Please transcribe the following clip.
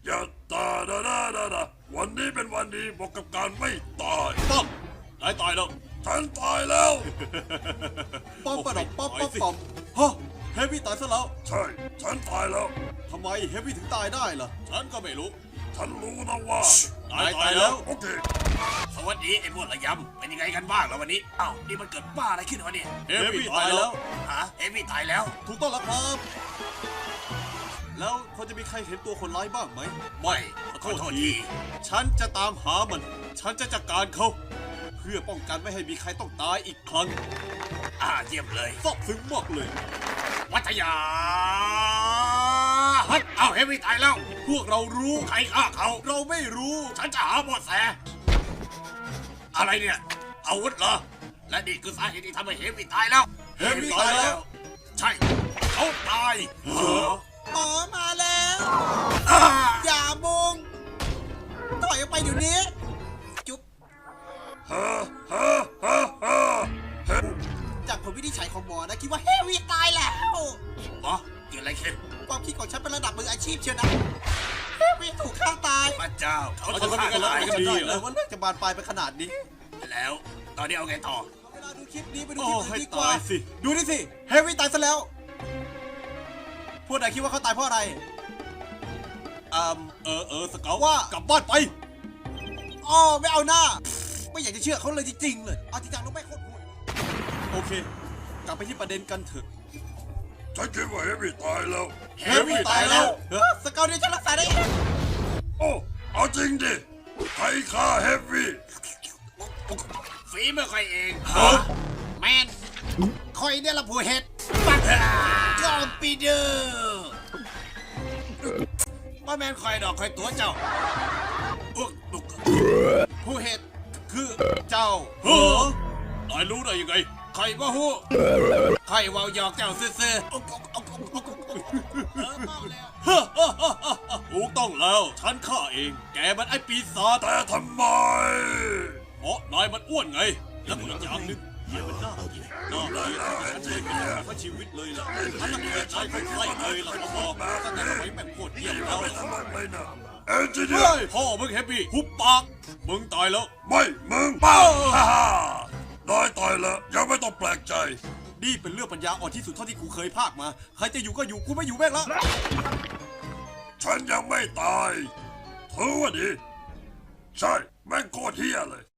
อย่าตาดาวันนี้เป็นวันดีบอกกับการไม่ตายป้อมนายตายแล้วฉันตายแล้วป้อมประดอกป้อมฮะเฮฟวี่ตายซะแล้วใช่ฉันตายแล้วทำไมเฮฟวี่ถึงตายได้ล่ะฉันก็ไม่รู้ฉันรู้นะว่านายตายแล้วโอเคสวัสดีไอ้พวกระยำเป็นยังไงกันบ้างแล้ววันนี้อ้าวนี่มันเกิดบ้าอะไรขึ้นวะเนี่ยเฮฟวี่ตายแล้วฮะเอมี่ตายแล้วถูกต้องแล้วครับ แล้วพอจะมีใครเห็นตัวคนร้ายบ้างไหมไม่ขอโทษทีฉันจะตามหามัน ฉันจะจัดการเขา เพื่อป้องกันไม่ให้มีใครต้องตายอีกครั้งเยี่ยมเลยซาบซึ้งมากเลยวัทยาฮัทเอาเอมี่ตายแล้วพวกเรารู้ใครฆ่าเขาเราไม่รู้ฉันจะหาเบาะแสอะไรเนี่ยอาวุธเหรอและนี่คือสาเหตุที่ทำให้เฮฟวี่ตายแล้วเฮฟวี่ตายแล้วใช่เขาตายหมอมาแล้วอ่าอย่ามุงถอยออกไปเดี๋ยวนี้ จุ๊บฮ่าฮ่าฮ่าฮ่าเฮ้ยจากผลวินิจฉัยของหมอนะคิดว่าเฮฟวี่ตายแล้วอ๋อเกิดอะไรขึ้นความคิดของฉันเป็นระดับมืออาชีพเชียวนะเฮฟวี่ถูกฆ่าตายพระเจ้าเขาเขาจะจะฆ่าทำอะไรตายกันจำดีได้เหรเลอยว่าเรื่องจะบานปลายไปขนาดนี้แล้วตอนนี้เอาไงต่อเวลาดูคลิปนี้ไปดูโอ้คลิปอื่ให้นดีกว่าตายสิ ดูนี่สิ เฮฟวี่ตายซะแล้ว พวกนายคิดว่าเขาตายเพราะอะไร สเกลว่ากลับบ้านไปอ๋อไม่เอาหน้า ไม่อยากจะเชื่อเขาเลยจริงๆเลย เอาจริงจังแล้วไม่โคตรห่วยโอเค กลับไปที่ประเด็นกันเถอะฉันคิดว่าเฮฟวี่ตายแล้วเฮฟวี่ตายแล้วสเกลเนี่ยฉันรักษาได้เองโอ้เอาจริงดิใครฆ่าเฮฟวี่ฝีมือใครเองแมนคอยเนี่ยละผู้เห็ดปักกอมปีเดอร์ว่าแมนคอยดอกคอยตัวเจ้าอุ๊กอุ๊กผู้เห็ดคือเจ้าเฮ้อนายรู้ได้ยังไงคอยว่าฮู้คอยเว่าหยอกเจ้าซื่อๆอุ๊กอุ๊กอุ๊กอุ๊กอุ๊กเมาแล้วถูกต้องแล้ว ฉันฆ่าเอง แกมันไอ้ปีศาจแต่ทำไมเพราะนายมันอ้วนไง แล้วก็อีกอย่างหนึ่งเหี้ยมันน่ากินน่าเลยฉันเคยเป็นทั้งชีวิตเลยล่ะฉันน่ะเคยใช้คนไข้เลยล่ะเขาบอกตั้งแต่สมัยแม่งโคตรเยี่ยมแล้วไม่ทำอะไรนะเอนจิเนียร์พ่อมึงแฮปปี้หุบปาก มึงตายแล้วไม่มึงป้าฮ่าฮ่านายตายแล้วยังไม่ต้องแปลกใจนี่เป็นเรื่องปัญญาอ่อนที่สุดเท่าที่กูเคยพากมา ใครจะอยู่ก็อยู่ กูไม่อยู่แม่งละฉันยังไม่ตายถือว่าดี ใช่แม่งโคตรเฮี้ยเลย